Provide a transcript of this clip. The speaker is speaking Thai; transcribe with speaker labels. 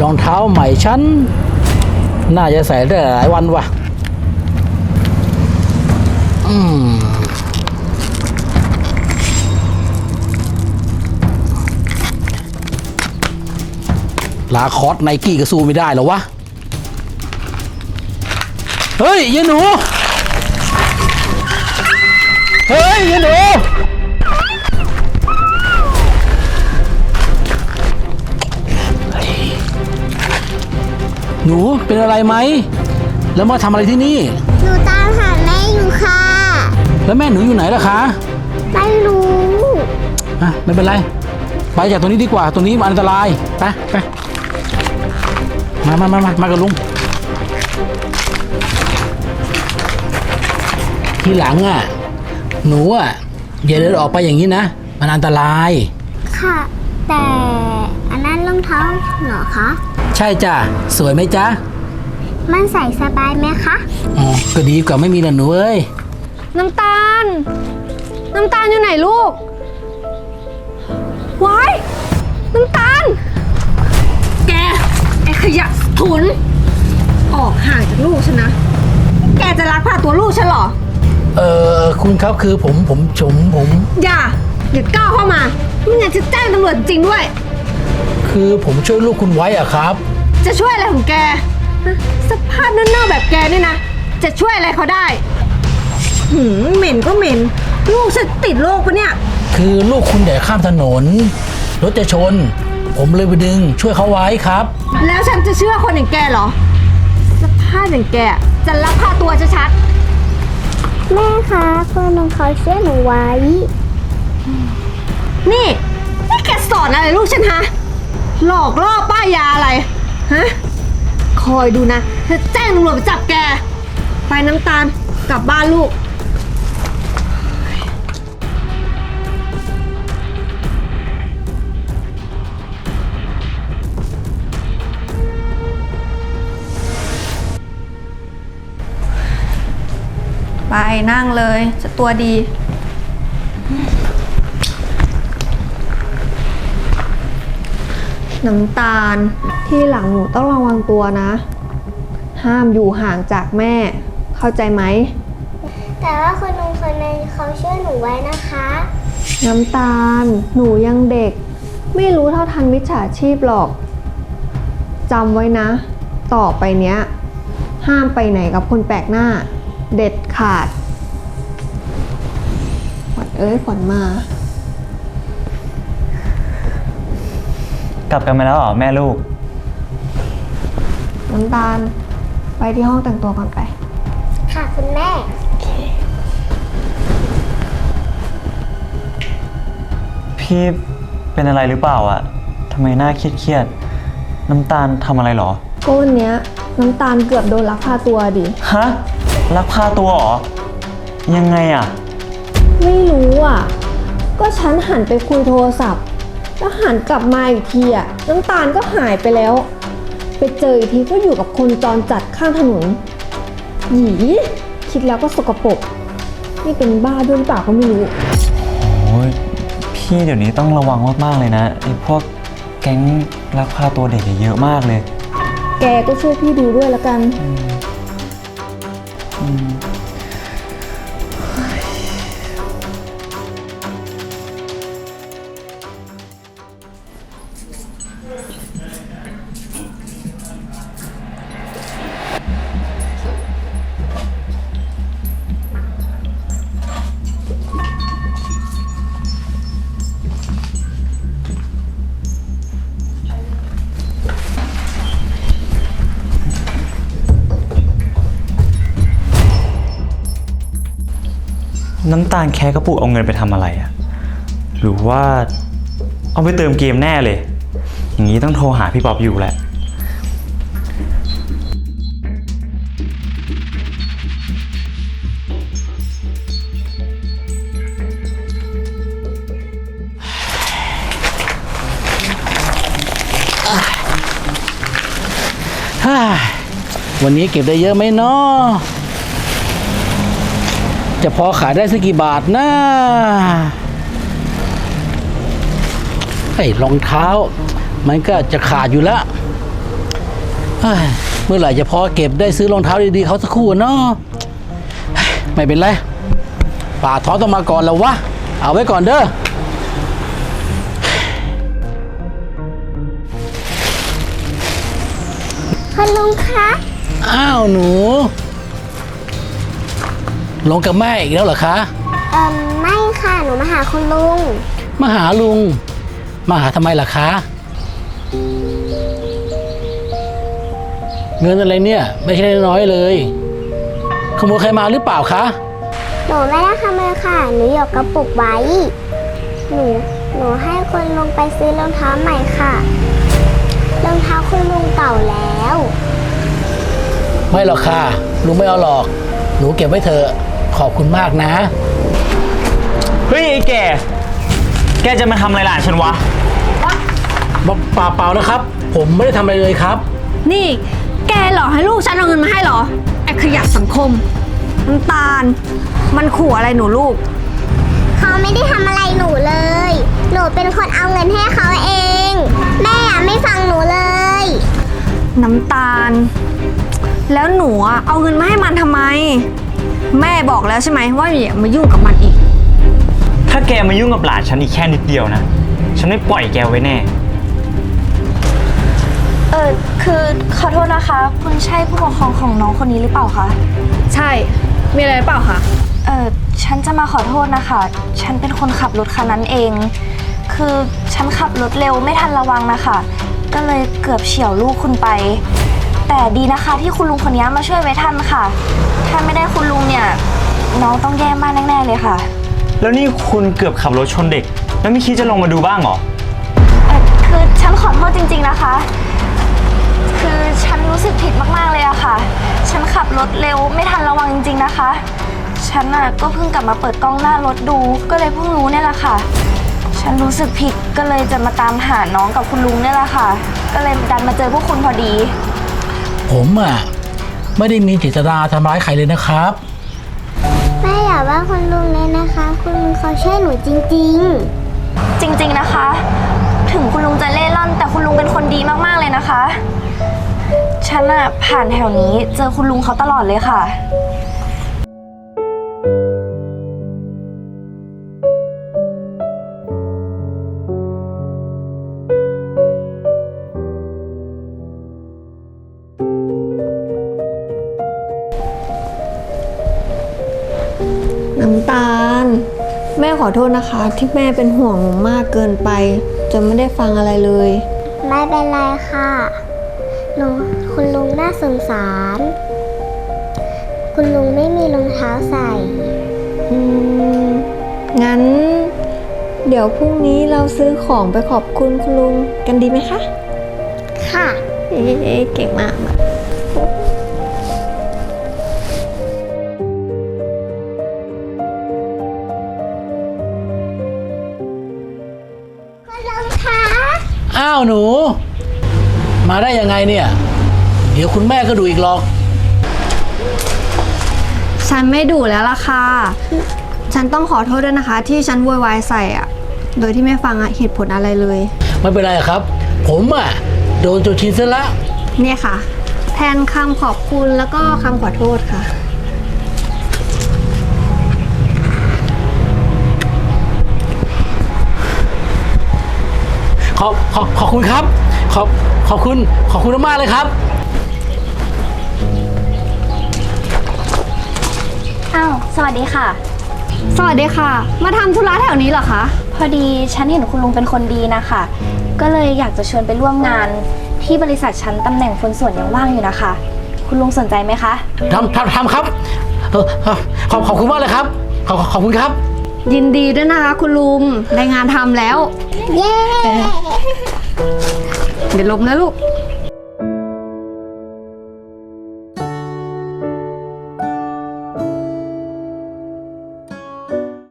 Speaker 1: รองเท้าใหม่ฉันน่าจะใส่ได้หลายวันว่ะลาคอสไนกี้ก็สู้ไม่ได้หรอวะเฮ้ยยายหนูเฮ้ยยายหนูหนูเป็นอะไรไหมแล้วมาทำอะไรที่นี่
Speaker 2: หนูตามหาแม่อยู่ค่ะ
Speaker 1: แล้วแม่หนูอยู่ไหนล่ะคะ
Speaker 2: ไม่รู้
Speaker 1: ไม่เป็นไรไปจากตรงนี้ดีกว่าตรงนี้มันอันตรายไปมากับลุงทีหลังหนูอย่าเดินออกไปอย่างนี้นะมันอันตราย
Speaker 2: ค่ะแต่อันนั้นรองเท้าเหรอคะ
Speaker 1: ใช่จ้ะสวยไหมจ๊ะ
Speaker 2: มันใส่สบายไหมคะ
Speaker 1: ก็ดีกว่าไม่มีนะหนูเอ้ย
Speaker 3: น้ำตาลอยู่ไหนลูกว้ายน้ำตาลแกไอ้ขยะถุนออกห่างจากลูกฉันนะแกจะลักพาตัวลูกฉันเหรอ
Speaker 1: คุณครับคือผม
Speaker 3: อย่าก้าวเข้ามาไม่งั้นจะแจ้งตำรวจจริงด้วย
Speaker 1: คือผมช่วยลูกคุณไว้อะครับ
Speaker 3: จะช่วยอะไรของแกสภาพเน่าๆแบบแกนี่นะจะช่วยอะไรเขาได้เหม็นก็เหม็นลูกฉันติดโรคปะเนี่ย
Speaker 1: คือลูกคุณเดี๋ยวข้ามถนนรถจะชนผมเลยไปดึงช่วยเขาไว้ครับ
Speaker 3: แล้วฉันจะเชื่อคนอย่างแกเหรอสภาพอย่างแกจะลักพาตัวชัด
Speaker 2: แม่คะคนนึงเขาช่วยหนูไว้
Speaker 3: นี่แกสอนอะไรลูกฉันฮะหลอกล่อป้ายาอะไรฮะคอยดูนะจะแจ้งตำรวจไปจับแกไปน้ำตาลกลับบ้านลูกไปนั่งเลยจะตัวดีน้ำตาลที่หลังหนูต้องระวังตัวนะห้ามอยู่ห่างจากแม่เข้าใจไหม
Speaker 2: แต่ว่าคนนึงคนนึงเขาช่วยหนูไว้นะคะ
Speaker 3: น้ำตาลหนูยังเด็กไม่รู้เท่าทันมิจฉาชีพหรอกจำไว้นะต่อไปเนี้ยห้ามไปไหนกับคนแปลกหน้าเด็ดขาดขวัญเอ้ยขวัญม
Speaker 4: ากลับกันมาแล้วเหรอแม่ลูก
Speaker 3: น้ำตาลไปที่ห้องแต่งตัวก่อนไป
Speaker 2: ค่ะคุณแม่
Speaker 4: พี่เป็นอะไรหรือเปล่าอะทำไมหน้าเครียดน้ำตาลทำอะไรหรอ
Speaker 3: ก็วันเนี้ยน้ำตาลเกือบโดนลักพาตัวดิ
Speaker 4: ฮะลักพาตัวเหรอยังไงอะ
Speaker 3: ไม่รู้อ่ะก็ฉันหันไปคุยโทรศัพท์แล้วหันกลับมาอีกทีน้ำตาลก็หายไปแล้วไปเจออีกทีก็อยู่กับคนจรจัดข้างถนนหยีคิดแล้วก็สกปรกนี่เป็นบ้าด้วยหรือเปล่าก็ไม่รู้
Speaker 4: โอ้ยพี่เดี๋ยวนี้ต้องระวังมากๆเลยนะไอ้พวกแก๊งลักพาตัวเด็กเยอะมากเลย
Speaker 3: แกก็ช่วยพี่ดูด้วยละกัน
Speaker 4: น้ำตาลแค่กระปุกเอาเงินไปทำอะไรอะหรือว่าเอาไปเติมเกมแน่เลยอย่างนี้ต้องโทรหาพี่ป๊อบอยู่แหละ
Speaker 1: วันนี้เก็บได้เยอะไหมเนาะจะพอขายได้สักกี่บาทนะไอ้รองเท้ามันก็จะขาดอยู่แล้วเฮ้ยเมื่อไหร่จะพอเก็บได้ซื้อรองเท้าดีๆเขาสักคู่เนาะเฮ้ยไม่เป็นไรป่าท้อต้องมาก่อนแล้ววะเอาไว้ก่อนเด้อ
Speaker 2: คุณลุงคะ
Speaker 1: อ้าวหนูลงกับแม่อีกแล้วเหรอคะ
Speaker 2: ไม่ค่ะ หนูมาหาคุณลุง
Speaker 1: มาหาลุงมาหาทำไมล่ะคะเงินอะไรเนี่ยไม่ใช่น้อยๆเลยขโมยใครมาหรือเปล่าคะ
Speaker 2: หนูไม่ได้ขโมยค่ะ หนูหยกกระปุกไว้ หนูให้คุณลุงไปซื้อรองเท้าใหม่ค่ะ รองเท้าคุณลุงเก่าแล้ว
Speaker 1: ไม่หรอกค่ะลุงไม่เอาหรอกหนูเก็บไว้เถอะขอบคุณมากนะ
Speaker 4: เฮ้ยไอ้แกจะมาทำอะไรหลานฉันวะ
Speaker 1: เปล่านะครับ ผมไม่ได้ทำอะไรเลยครับ
Speaker 3: นี่แกหลอกให้ลูกฉันเอาเงินมาให้เหรอ ไอ้ขยะสังคมน้ำตาล มันขู่อะไรหนูลูก
Speaker 2: เขาไม่ได้ทำอะไรหนูเลย หนูเป็นคนเอาเงินให้เขาเอง แม่ไม่ฟังหนูเลย
Speaker 3: น้ำตาล แล้วหนูอะเอาเงินมาให้มันทำไม แม่บอกแล้วใช่ไหมว่าอย่ามายุ่งกับมันอีก
Speaker 4: ถ้าแกมายุ่งกับหลานฉันอีกแค่นิดเดียวนะ ฉันไม่ปล่อยแกไว้แน่
Speaker 5: คือขอโทษนะคะ คุณใช่ผู้ปกครองของน้องคนนี้หรือเปล่าคะ
Speaker 3: ใช่ มีอะไรหรือเปล่าคะ
Speaker 5: ฉันจะมาขอโทษนะคะ ฉันเป็นคนขับรถคันนั้นเอง คือฉันขับรถเร็วไม่ทันระวังนะคะ ก็เลยเกือบเฉี่ยวลูกคุณไป แต่ดีนะคะที่คุณลุงคนนี้มาช่วยไว้ทันค่ะ ถ้าไม่ได้คุณลุงเนี่ยน้องต้องแย่มากแน่ๆเลยค่ะ
Speaker 4: แล้วนี่คุณเกือบขับรถชนเด็ก แล้วไม่คิดจะลงมาดูบ้างเหรอ
Speaker 5: คือฉันขอโทษจริงๆนะคะ คือฉันรู้สึกผิดมากๆเลยอะค่ะ ฉันขับรถเร็วไม่ทันระวังจริงๆนะคะ ฉันก็เพิ่งกลับมาเปิดกล้องหน้ารถดู ก็เลยเพิ่งรู้เนี่ยแหละค่ะ ฉันรู้สึกผิดก็เลยจะมาตามหาน้องกับคุณลุงเนี่ยแหละค่ะ ก็เลยดันมาเจอพวกคุณพอดี
Speaker 1: ผมไม่ได้มีเจตนาทำร้ายใครเลยนะครับ
Speaker 2: แม่อย่าว่าคุณลุงเลยนะคะ คุณลุงเขาช่วยหนูจริง
Speaker 5: จริงๆนะคะ ถึงคุณลุงจะเล่ร่อนแต่คุณลุงเป็นคนดีมากๆเลยนะคะ ฉันผ่านแถวนี้เจอคุณลุงเขาตลอดเลยค่ะ
Speaker 3: น้ำตาล แม่ขอโทษนะคะ ที่แม่เป็นห่วงหนูมากเกินไปจนไม่ได้ฟังอะไรเลย
Speaker 2: ๆ ไม่เป็นไรค่ะคุณลุงน่าสงสาร คุณลุงไม่มีรองเท้าใส่
Speaker 3: งั้น เดี๋ยวพรุ่งนี้เราซื้อของไปขอบคุณคุณลุงกันดีไหมคะ
Speaker 2: ค่ะ
Speaker 3: เอ๊ะเก่งมาก
Speaker 2: คุณลุงคะ
Speaker 1: อ้าวหนู มาได้ยังไงเนี่ย เดี๋ยวคุณแม่ก็ดูอีกหรอก
Speaker 3: ฉันไม่ดุแล้วล่ะค่ะ ฉันต้องขอโทษด้วยนะคะ ที่ฉันโวยวายใส่โดยที่ไม่ฟังเหตุผลอะไรเลย
Speaker 1: ไม่เป็นไรครับ ผมโดนจนชินซะละ
Speaker 3: เนี่ยค่ะ แทนคำขอบคุณแล้วก็คำขอโทษค่ะ
Speaker 1: ขอบคุณครับ ขอบคุณมากๆเลยครับ
Speaker 5: อ้าว สวัสดีค่ะ
Speaker 3: สวัสดีค่ะ มาทำธุระแถวนี้เหรอคะ
Speaker 5: พอดีฉันเห็นคุณลุงเป็นคนดีนะคะ ก็เลยอยากจะชวนไปร่วมงานที่บริษัทฉันตำแหน่งคนส่วนยังว่างอยู่นะคะ คุณลุงสนใจไหมคะ
Speaker 1: ทำครับขอบคุณมากเลยครับ ขอบคุณครับ
Speaker 3: ยินดีด้วยนะคะคุณลุงได้งานทำแล้ว
Speaker 2: เย้
Speaker 3: เดี๋ยวลมนะลูก